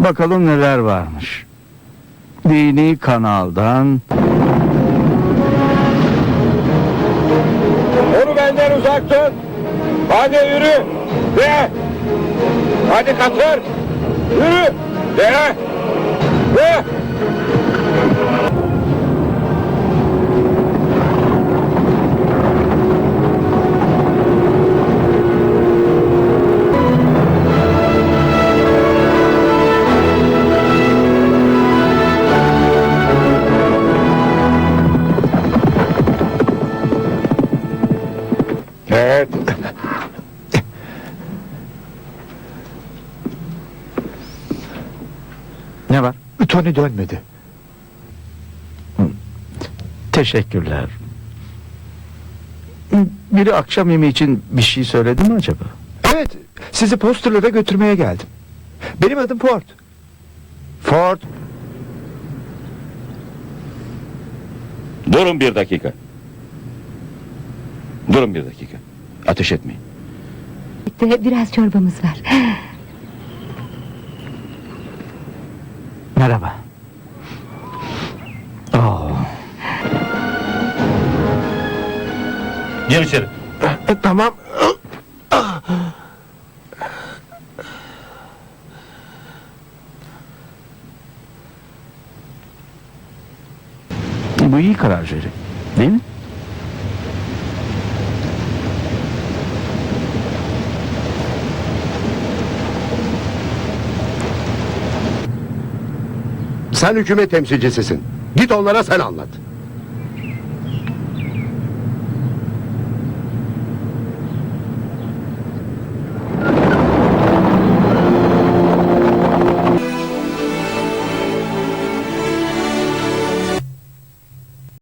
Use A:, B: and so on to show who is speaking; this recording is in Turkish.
A: Bakalım neler varmış. Dini kanaldan.
B: Onu benden uzak tut. Hadi yürü. De. Hadi katır. Yürü. De. De. Evet.
A: Ne var?
C: Tony dönmedi.
A: Teşekkürler. Biri akşam yemeği için bir şey söyledi mi acaba?
C: Evet, sizi posterlara götürmeye geldim. Benim adım Ford. Ford.
B: Durun bir dakika. Durun bir dakika. Ateş etmeyin.
D: Biraz çorbamız var.
A: Merhaba.
B: Gir içeri.
C: Tamam.
A: Bu iyi karar Jerry. Değil mi?
E: Sen hükümet temsilcisisin. Git onlara sen anlat.